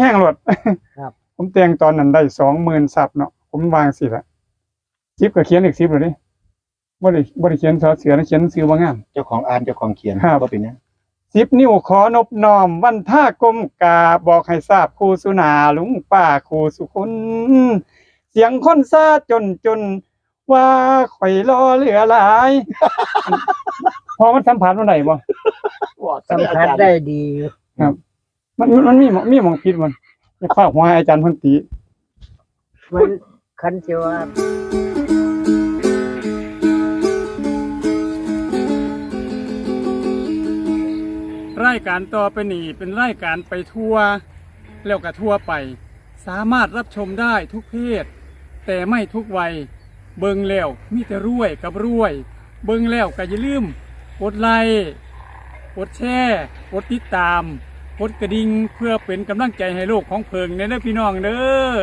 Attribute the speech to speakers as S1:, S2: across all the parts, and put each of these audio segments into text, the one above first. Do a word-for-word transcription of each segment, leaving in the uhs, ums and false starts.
S1: ห้งๆโลด
S2: ครับ
S1: ผมแต่งตอนนั้นได้สองหมื่นซับเนาะผมวางสิละสิบก็เขียนอีกสิบเลยดิบ่ได้บ่ได้เขียนสอเสือนะเขียนชื่อบ่งาม
S3: เจ้าของอ่านเจ้าของเขียนก็เป็นเนี้ย
S1: สิบนิ้วขอนบน้อมวันท่ากลมกาบอกให้ทราบครูสุนาลุงป้าครูสุคนเสียงคนซาจนจนว่าข่อยรอเหลือหลาย พอมันสัมผัสมันได้บ่
S2: สัมผัสได้ดีอยู่
S1: ครับ มันมันมีมีหมองผิดมันจะพาหัวอาจารย์เพิ่นติ
S2: มันคันสิว่า
S1: รายการต่อไปนี้เป็นรายการไปทัวร์แล้วก็ทั่วไป สามารถรับชมได้ทุกเพศแต่ไม่ทุกวัยเบิ่งแล้วมีแต่รวยกับรวย เบิ่งแล้วก็อย่าลืมกดไลค์กดแชร์กดติดตามกดกระดิ่งเพื่อเป็นกำลังใจให้โลกของเพิงในเด้อพี่น้องเด้อ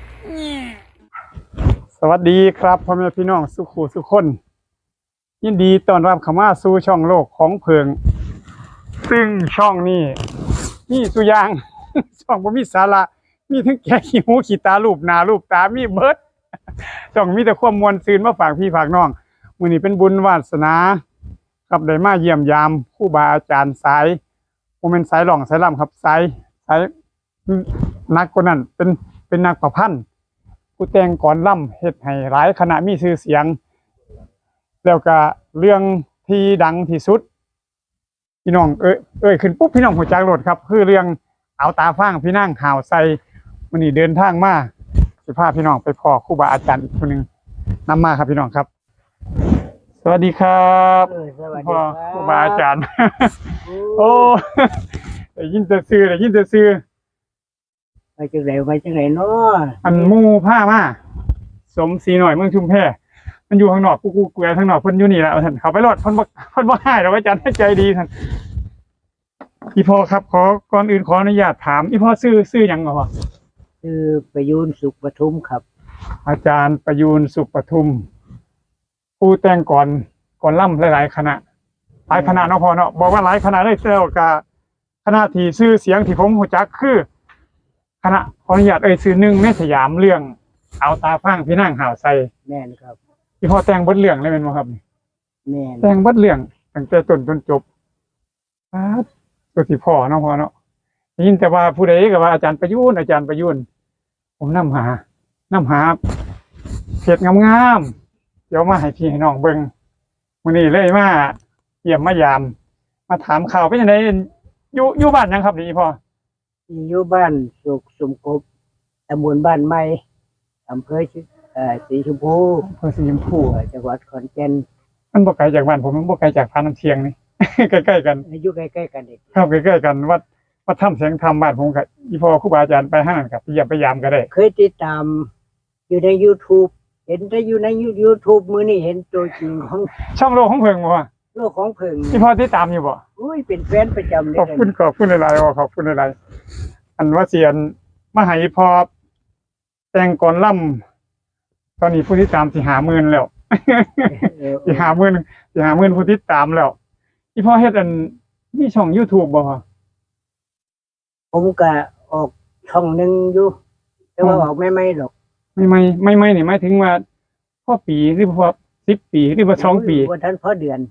S1: สวัสดีครับพ่อแม่พี่น้องสุขุสุขคนยินดีต้อนรับเข้ามาสู่ช่องโลกของเพิงซึ่งช่องนี้มีสุอยาง ช่องบ่มีสาระมีทั้งแก่ขี้หูขี้ตารูปหน้ารูปตามีเบิด ช่องมีแต่ความมวลซืนมาฝากพี่ฝากน้องมื้อนี้เป็นบุญวาสนาครับได้มาเยี่ยมยามครูบาอาจารย์สายบ่แม่นสายหล่องสายล่ำครับสายสายนักกว่านั้นเป็นเป็นนักประพันธ์ผู้แต่งก่อนล่ำเฮ็ดให้หลายคณะมีชื่อเสียงแล้วก็เรื่องที่ดังที่สุดพี่น้องเอ้ยเอ้ยขึ้นปุ๊บพี่น้องหัวจักรถครับคือเรื่องเอาตาฟางพี่นั่งห่าวใส่มื้อนี้เดินทางมาสิพาพี่น้องไปพอครูบาอาจารย์อีกคนนึงนำมาครับพี่น้องครับสวัสดีครับ
S2: เออสวัสดี
S1: พ่อ
S2: ครับ
S1: ครูบาอาจารย์ โอ้ได้ยินแต่ซื้อได้ยินแต่ซื้อ
S2: ไปจังไหนไปจังไหนเนาะ
S1: อันหมู่ผ้ามาสมศรีหน่อยเมืองชุมแพมันอยู่ข้างนอกกูกูเกลือข้างนอกเพิ่นอยู่นี่แหละท่านเขาไปรอดเพิ่นบ่เพิ่นบ่ให้ดอกอาจารย์ให้ใจดีท่านอีพ่อครับขอก่อนอื่นขออนุญาตถามอีพ่อซื้อซื้อหยังเหรอพ่อ
S2: คือประยูนสุขปทุมครับ
S1: อาจารย์ประยูนสุขปทุมผู้แต่งก่อนก่อนล่ำหลายๆคณะหลายคณะเนาะพ่อเนาะบอกว่าหลายคณะเลยแล้วก็คณะที่ชื่อเสียงที่ผมรู้จักคือคณะขออนุญาตเอ่ยชื่อหนึ่งในสยามเรื่องเอาตาฟางพี่นั่งห่าวใส่
S2: แม่นครับ
S1: ที่พ่อแต่งเบิดเรื่องเลยเป็นบ่ครับ
S2: แม่น
S1: แต่งเบิดเรื่องตั้งแต่ต้นจนจบครับตัวที่พ่อเนาะพ่อเนาะได้ยินแต่ว่าผู้ใดก็ว่าอาจารย์ประยูนอาจารย์ประยูนผมนำหานำหาเพจงามๆเดี๋ยวมาให้พี่ให้น้องเบิ่งมื้อนี้เลยมาเยี่ยมมายามมาถามข่าวเป็นจังไดอยู่อยู่บ้านยังครับนี่พ่อ
S2: อยู่บ้านสุขสมกบตำบลบ้านใหม่อำเภอเอ่อสีชมพู
S1: อำเภอสีชมพู
S2: เอ่อจังหวัดขอนแก่น
S1: มันบ่ไกลจากบ้านผมมันบ่ไกลจากพาน้ำเชียงนี่ ใกล้ๆกัน
S2: อยู่ใกล้ๆกันเด็ก
S1: ครับใกล้ๆกันวัดวัดถ้ำเสียงธรรมบ้านผมกับอีพ่อครูบาอาจารย์ไปห้างนั้นครับไปเยี่ยมไปยามก็ได้
S2: เคยติดตามอยู่ใน YouTube เห็นได้อยู่ใน YouTube มื้อนี้เห็นตัวจริงของ
S1: ช่องโลกของเพิงบ่ว่า
S2: โลกของเพิ่ง
S1: อีพ่อติดตามอยู่บ่
S2: อุ้ยเป็นแฟนประจำเลย
S1: ขอบคุณขอบคุณหลายๆอ๋อขอบคุณหลายๆอันว่าเสียนมาให้อีพ่อแต่งก่อนล่ำตอนนี้ผู้ติดตามสิหาหมื่นแล้ว
S2: เออ
S1: สิหาหมื่นสิหาหมื่นผู้ติดตามแล้วอีพ่อเฮ็ดอันมีช่อง YouTube บ่พ่อ
S2: ผมก็ออกช่องหนึงอยู่แต่ว่าออกไม่ไม่หรอก
S1: ไม่ไม่ไม่ไม่นี่หมายถึงว่าพ่อปีหรือพ่อสิบปีหรือว่าสองปี
S2: วันทันพอเดือน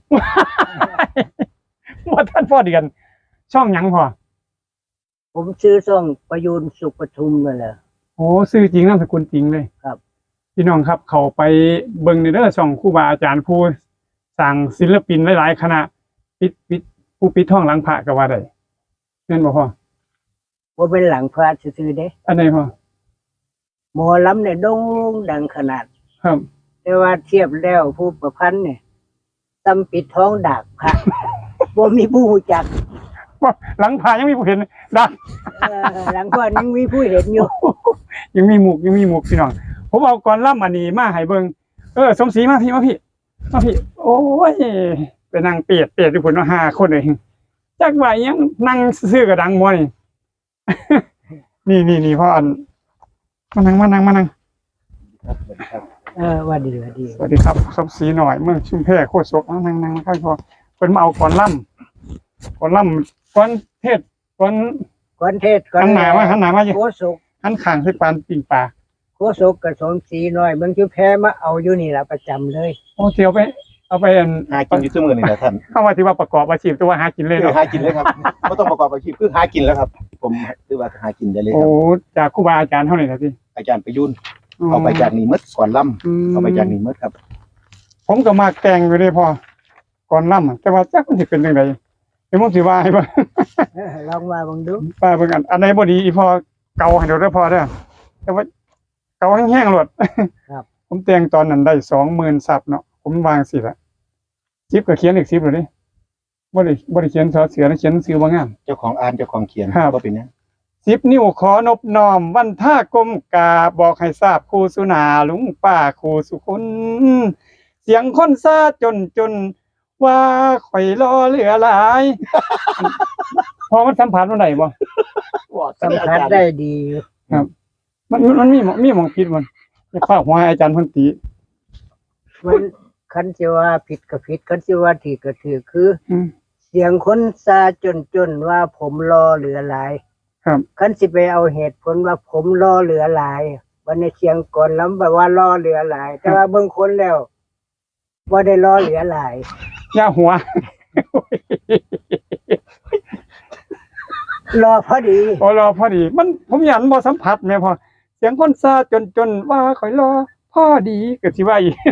S1: ว่าท่านพ่อเดือนช่องหยังพ่อ
S2: ผมซื้อช่องประยูนสุขปทุมนั่นแหละ
S1: โอ้ชื่อจริงนามสกุลจริงเลย
S2: ครับ
S1: พี่น้องครับเขาไปเบิ่งในเด้อช่องครูบาอาจารย์ผู้สั่งศิลปินหลายๆคณะปิดปิดผู้ปิดท่องหลังพระก็ว่าได้แม่นบ่พ่อ
S2: ว่าเป็นหลังพระซื่อๆเด้
S1: อันไหนพ่อ
S2: หมอลำเนี่ยโด่งดังขนาด
S1: ครับ
S2: แต่ว่าเทียบแล้วผู้ประพันธ์เนี่ยตำปิดท้องดากพระ บ่มีผู้รู้จัก
S1: ว่าหลังพระยังมีผู้เห็นดัง
S2: เออหลังพระยังมีผู้เห็นอยู่
S1: ยังมีหมุกยังมีหมุกพี่น้องผมเอาก่อนล่ำอันนี้มาให้เบิ่งเออสมศรีมาพี่มาพี่มาพี่โอ้ยไปนั่งเปียดเปียดทุกคนว่าห้าคนเองจักว่าอิหยังนั่งซื่อๆกับดังมวย นี่นี่นี่พ่ออันมานั่งมานั่งมานั่ง
S3: ครับสวัสดีครับ
S2: เออว่าดีว่าดี
S1: สวัสดีครับสมศรีหน่อยเมืองชุมแพโคตรศกเอานั่งนั่งครับพ่อเพิ่นมาเอาก่อนล่ำก่อนล่ำก่อนเทศก่อน
S2: ก่ก่อนเทศก่อน
S1: หันหน้ามาหันหน้ามาอยู่
S2: โคศก
S1: หันข้างใส่ปานปิ่งปลา
S2: โคศกกับสมศรีน้อยเมืองชุมแพมาเอาอยู่นี่ล่ะประจำเลย
S1: โอ้เที่ยวไปเอาไปอัน
S3: หากินอยู่ทุกมื้อนี่แหละท่าน
S1: เข้ามาที่ว่าประกอบอาชีพตัวหากินเลย
S3: คือ
S1: เนาะ
S3: หากินเลยครับไม่ต้องประกอบอาชีพคือหากินแล้วครับ ผมคือว่าหากินได้เลยค
S1: โอ้
S3: รับ
S1: จากครูบาอาจารย์เท่าไหร่นะพี่
S3: อาจารย์ประยุนเอาไปจากนี่มดก่อนล่ำเอาไปจากนี่มดครับ
S1: ผมก็มาแต่งอยู่เลยพอก่อนล่ำอะแต่ว่าจักมันสิเป็นจังไดเดี๋ยวผมสิว่าให้เบ่ง
S2: เออลองมาเบังดู
S1: ป้าเบิ่งอันอันไหนบ่ดีอีพอเก่าให้เดี๋ยวเด้อพอเด้อแต่ว่าเก่าแห้งๆโลด
S2: ครับ
S1: ผมแต่งตอนนั้นได้ สองหมื่น ซับเนาะผมวางสิละสิบก็เขียนอีกสิบเลยดิบ่ได้บ่ได้เขียนสอเสือนะเขียนหนังสือบ่งาม
S3: เจ้าของอ่านเจ้าของเขียน
S1: ครับ
S3: ก็เป็นเนี้ย
S1: สิบนิ้วขอนบน้อมวันท่ากรมกาบอกให้ทราบครูสุนาลุงป้าครูสุคนเสียงคนซาจนจนว่าข่อยรอเหลือหลาย พอมันสัมผัสมันได้บ่
S2: สัมผัสได้ดีอยู่
S1: มันมันมีหม้องมีหมองผิดมันไปฝากหัวให้อาจารย์เพิ่นติ
S2: มันคันสิว่าผิดก็ผิดคันสิว่าถูกก็ถูกคือ
S1: อืม
S2: เสียงคนซาจนจนว่าผมรอเหลือหลาย
S1: ครับ
S2: คันสิไปเอาเหตุผลว่าผมรอเหลือหลายวันในเสียงก่อนล้ำแบบว่ารอเหลือหลาย แต่ว่าเบิ่งคนแล้วว่าได้รอเหลือหลาย
S1: ย่าหัว
S2: รอพอดี
S1: พอรอพอดี มันผมยันบ่สัมผัสแม่พอเสียงคนซาจนจนว่าข่อยรอพอดีก็สิว่าอีก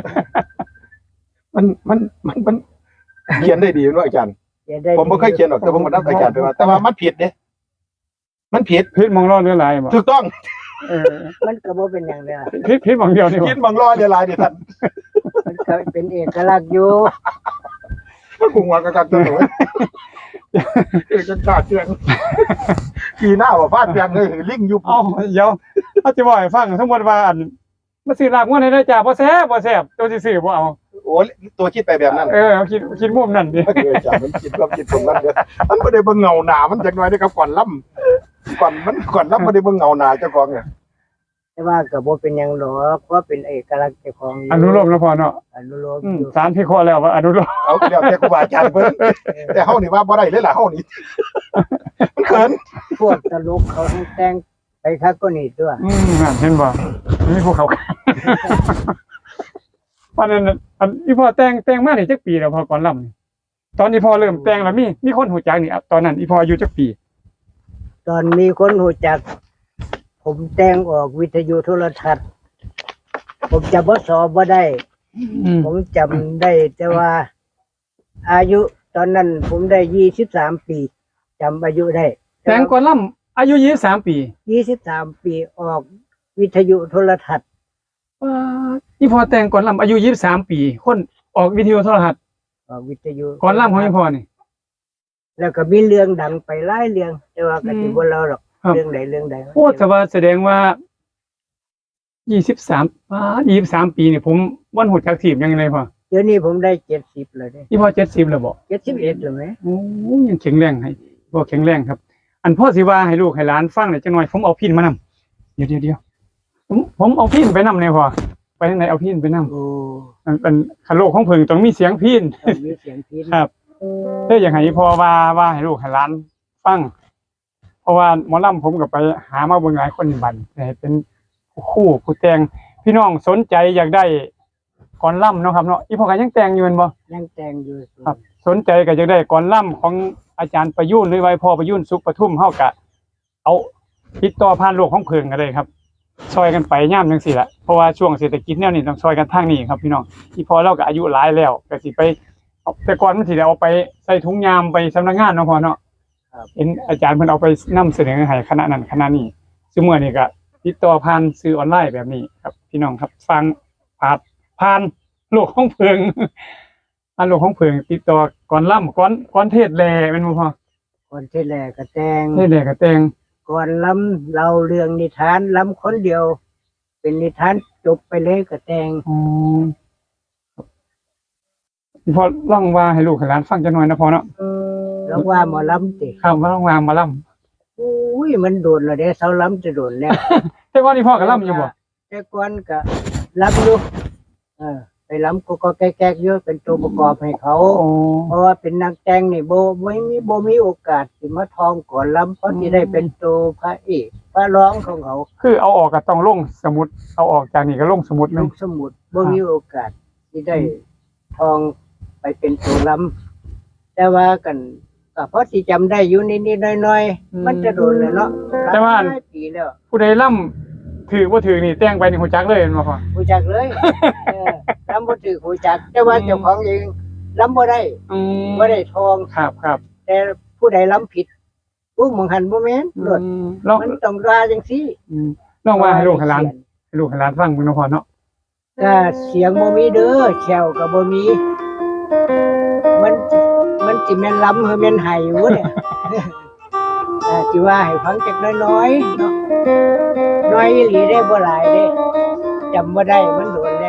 S3: มันมันมันมันเขียนได้ดีเนาะอาจารย์
S2: อย่าได้
S3: ผมไม่เคยเขียนหรอกแต่ผมมานับอาจารย์ไปว่า แต่ว่ามันผิดเนี่ยมันผิด
S1: ผิดหมองรอเหลือหลายบ่
S3: ถูกต้อง
S1: เออ
S2: มันก็บ่เป็นอย่างเดียว
S1: ผิดผิดหมองเดียวนี่บ่
S3: ผิดบางรอเดียวลายเดียวท่าน
S2: มันก็เป็นเอกลักษณ์อยู่
S3: มันคงวางกระกันตัวหนูเอกกาเตือนปีหน้าว่าฟาดเตียงเลยลิงอยู่
S1: เอาเดี๋ยวเอาสิบอกให้ฟังสมมุติว่าอันมาซื้อลาบงัวให้ได้จ้าบ่แซ่บบ่แซ่บตัวสิซื้อบ่เอา
S3: โอ้ตัวคิดไปแบบนั้น
S1: เออเอาคิดคิดมุมนั่นดิ
S3: เอออาจารย์มันคิดความคิดตรงนั้นเด้อมันไม่ได้เบิ่งเงาหนามันจักหน่อยเด้อครับก่อนล่ำก่อนมันก่อนล่ำไม่ได้เบิ่งเงาหนาเจ้าของเนี่ย
S2: แต่ว่าก็บ่เป็นหยังหรอกเพราะเป็นเอกลักษณ์เจ้าของยู่
S1: อนุโลมนะพอเนาะ
S2: อนุโลม
S1: อืม
S2: อยู่
S1: ศาลพิเคราะห์แล้วว่าอนุโลม
S3: เอาเดี๋ยวแต่ครูบาอาจารย์เพิ่นแต่เฮานี่ว่าบ่ได้เลยล่ะเฮานี่มันเขิน
S2: พวกตลกเขาให้แต่งไปคักก็นี่ตัว
S1: อืมนั่นเห็นบ่มีภูเขา วันนั้นน่ะอันอีพ่อแต่งแต่งมาได้จักปีแล้วพอก่อนล่ำนี่ตอนนี้พ่อเริ่มแต่งแล้วมีมีคนหูจักนี่อะตอนนั้นอีพ่ออายุจักปี
S2: ตอนมีคนหูจัก ผมแต่งออกวิทยุโทรทัศน์ ผมจำบ่สอบบ่ได้
S1: อืม
S2: ผมจำได้แต่ว่า อายุตอนนั้นผมได้ยี่สิบสามปีจำอายุได้
S1: แต่งก่อนล่ำอายุยี่สิบสามปี
S2: ยี่สิบสามปีออกวิทยุโทรทัศน์
S1: ว้าอีพ่อแต่งก่อนล่ำอายุยี่สิบสามปี คนออกวิทยุโทรทัศน์
S2: ออกวิทยุ
S1: ก่อนล่ำของอีพ่อนี่
S2: แล้วก็มีเรื่องดังไปหลายเรื่อง แต่ว่าก็
S1: อืม
S2: สิบ่เล่าหรอก
S1: ครับ
S2: เรื่องใดเรื่องใด
S1: โอ้แต่ว่าแสดงว่ายี่สิบสามอ่ายี่สิบสามปีนี่ผมวันหูจักทีมยังไงพ่อ
S2: เดี๋ยวนี้ผมได้เจ็ดสิบแล้วเด้
S1: อีพ่อเจ็ดสิบแล้วบ่
S2: เจ็ดสิบเอ็ดแล้วไหม
S1: โอ้ยังแข็งแรงให้บ่แข็งแรงครับ อันพ่อสิว่าให้ลูกให้หลานฟังหน่อยจังหน่อยผมเอาพินมานำเดี๋ยวเดี๋ยวเดี๋ยวผมผมเอาพินไปนำเนี่ยพ่อไปทางไหนเอาพินไปนำ
S2: โอ้
S1: มันเป็นคันโลกของเพิ่งต้องมีเสียงพิน
S2: ต้องมีเสียงพิณ
S1: ครับเอ้ยอยากให้พ่อว่าว่าให้ลูกให้หลานฟัง เพราะว่าหมอลำผมก็ไปหามาเบิ่งหลายคนบัดให้เป็นคู่ผู้แต่งพี่น้องสนใจอยากได้ก่อนล่ำเนาะครับเนาะอีพ่อก็ยังแต่งอยู่แม่นบ่
S2: ยังแต่งอยู่
S1: ครับ สนใจก็อยากได้ก่อนล่ำของอาจารย์ประยุนหรือไว้พ่อประยุนสุขปทุมเฮาก็เอาติดต่อผ่านโลกของเพิ่งก็ได้ครับช่วยกันไปย่ามจังซี่ล่ะเพราะว่าช่วงเศรษฐกิจแนวนี้ต้องช่วยกันทางนี้ครับพี่น้องอีพ่อเราก็อายุหลายแล้วก็สิไปเอาแต่ก่อนมันสิได้เอาไปใส่ถุงยามไปสำนักงานเนาะพ่อเนาะ เห็นอาจารย์เพิ่นเอาไปนำเสนอให้คณะนั้นคณะนี้ซึ่งเมื่อนี้ก็ติดต่อผ่านสื่อออนไลน์แบบนี้ครับ พี่น้องครับฟังผ่านผ่านโลกของเพิง อันโลกของเพิงติดต่อก่อนล่ำก่อนก่อนเทศแลแม่นบ่พ่อ
S2: ก่อนที่แรกก็แต่ง
S1: เทศแลก็แต่ง
S2: ก่อนล้ำเราเรื่องนิทานล้ำคนเดียว เป็นนิทานจบไปเลยก็แต่ง
S1: อ๋อครับพี่พ่อลองว่าให้ลูกให้หลานฟังจักหน่อยนะพ่อเนาะ
S2: แล้วว่าหมอล้ำติ
S1: ครับว่าลองวางมาล่ำ
S2: อุ้ยมันโดนแล้วเด้เสาล้ำจะโดนแล้ว
S1: แต่ว่านี่พ่อก็ล่ำอยู่บ่
S2: แต่ก่อนก็ล้ำอยู่เออไปล้ำก็ก็แก๊กๆเยอะเป็นตัวประกอบให้เขา
S1: โอ้
S2: เพราะว่าเป็นนักแต่งนี่โบไม่มีโบมีโอกาสสิมาทองก่อนล้ำเพราะที่ได้เป็นตัวพระเอกพระร้องของเขา
S1: คือเอาออกก็ต้องลงสมุดเอาออกจากนี่ก็ลงสมุดนึ
S2: ลู
S1: ง
S2: กสมุดบ่มีโอกาสที่ได้ทองไปเป็นตัวล้ำแต่ว่ากันก็เพราะที่จำได้อยู่นิดๆหน้อยๆมันจะโดนแล้วเนาะหลายปีแล้ว
S1: ผู้ใดล่ำถือบ่ถือนี่แต่งไปนี่ฮู้จักเลยแม่นบ่พ่อ
S2: รู้จักเลยเออล้ำบ่ถือรู้จัก แต่ว่าเจ้าของเองล้ำบ่ได้
S1: อืม
S2: บ่ได้ทอง
S1: ครับครับ
S2: แต่ผู้ใดล้ำผิดอู้มองหันบ่แม่นโลด
S1: อืมลอง
S2: มันต้องว่าจังซี่
S1: อืมลองว่าให้ลูกให้หลานให้ลูกให้หลานฟังเบิ่งเนาะพ่อเนาะ
S2: ก็เสียงบ่มีเด้อแขวก็บ่มี มันมันสิแม่นล้ำหรือแม่นไห้อยู่เนี่ย เอ่อสิว่าให้ฟังจักน้อยๆเนาะน้อยอีหลีได้บ่หลายเด้จำบ่ได้มันโดนแล้ว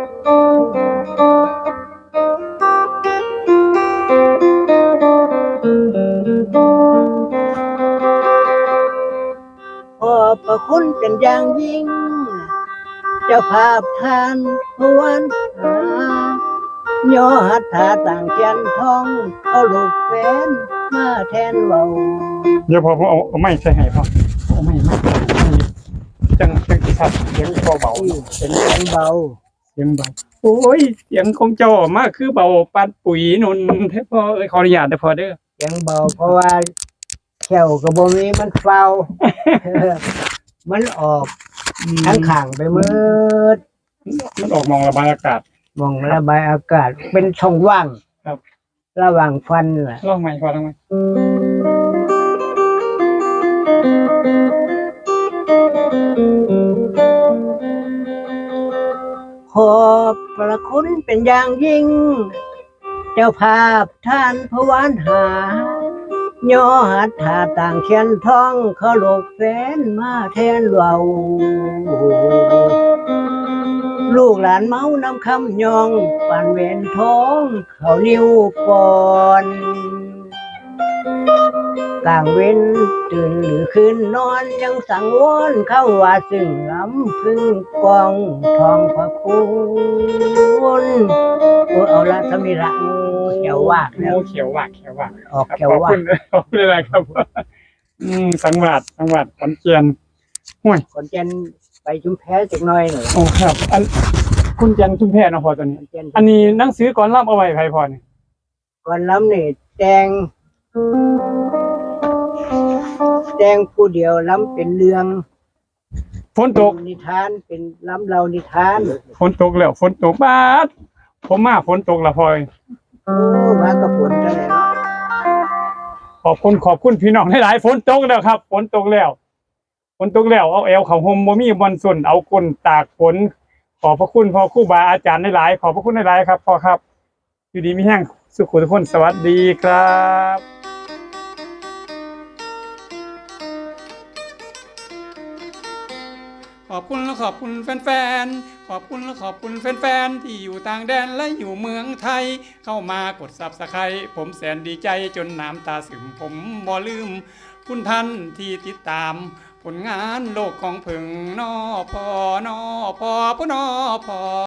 S2: ขอบพระคุณเป็นอย่างยิ่ง เจ้าภาพท่านพวนหาย่อหัตถาต่างเขียนทองเอาลูกแฟนมาแทนเว้า
S1: เดี๋ยวพ่อผมเอาเอาไม้ใส่ให้พ่อเอาไม้มาจังจังสิชัดเสียงเบา
S2: ที่เป็นเสียงเบา
S1: ๆเสียงเบาโอ้ยเสียงของเจ้าออกมาคือเบาปานปุ๋ยนนแท้พ่อเอ้ยขออนุญาตเด้อพ่อเด้อ
S2: เสียงเบาเพราะว่าแขวก็บ่มีมันเฝ้า มันออกทั้งข้างไปหมืด
S1: มันออกมองระบายอากาศ
S2: มองระบายอากาศเป็นช่องว่าง
S1: ครับ
S2: ระหว่างฟันน่ะ
S1: ลองใหม่พ่อลองใหม่
S2: ขอบพระคุณเป็นอย่างยิ่ง เจ้าภาพท่านพระวานหา ย่อหัตถาต่างเขียนทองเขาโลกแฟนมาแทนเราลูกหลานเมานำคำยองปั่นเวนทองเขานิ้วก่อนกลางเว้นตื่นหรือคืนนอนยังสังวรเข้าว่าซึ่งล้ำพึ่งกองทองพระคุณโอ้เอาละสมิระเขียววากแล้ว
S1: โอ้เขียวหวากเขียวหวาก
S2: ออก
S1: ครับ
S2: เขียว
S1: ขอบ
S2: วา
S1: คุ
S2: ก
S1: ณขอบคุณอะไรครับ อืมสังวาดสังวาดขอนแก่นห่วย
S2: คนเจนไปชุมแพจักหน่อยหน่อย
S1: โอ้ครับ อันคุณจันทร์ชุมแพเนาะพอตอนนี้
S2: คนเจน
S1: อันนี้หนังสือก่อนรับเอาไว้ไผพอนี่
S2: ก่อนล้ำนี่แดงแดงผู้เดียวล้ำเป็นเรื่อง
S1: ฝนตก
S2: นิทานเป็นล้ำเรานิทาน
S1: ฝนตกแล้วฝนตกบาดผมมาฝนตกและพอย
S2: โอ้ว่ากระผลเท่าไหร่
S1: ขอบคุณขอบคุณพี่น้องหลายๆฝนตกแล้วครับฝนตกแล้วฝนตกแล้วเอาแอวเขาห่มบ่มีบอนส่วนเอาก้นตากฝนขอบพระคุณพ่อครูบาอาจารย์หลายๆขอบพระคุณหลายๆครับพ่อครับอยู่ดีมีแห้งสุขุทุกคนสวัสดีครับขอบคุณและขอบคุณแฟนๆขอบคุณและขอบคุณแฟนๆที่อยู่ต่างแดนและอยู่เมืองไทยเข้ามากดซับสไครต์ผมแสนดีใจจนน้ำตาซึมผมบ่ลืมคุณท่านที่ติดตามผลงานโลกของเพิ่งนอพอนอพอพนอพอ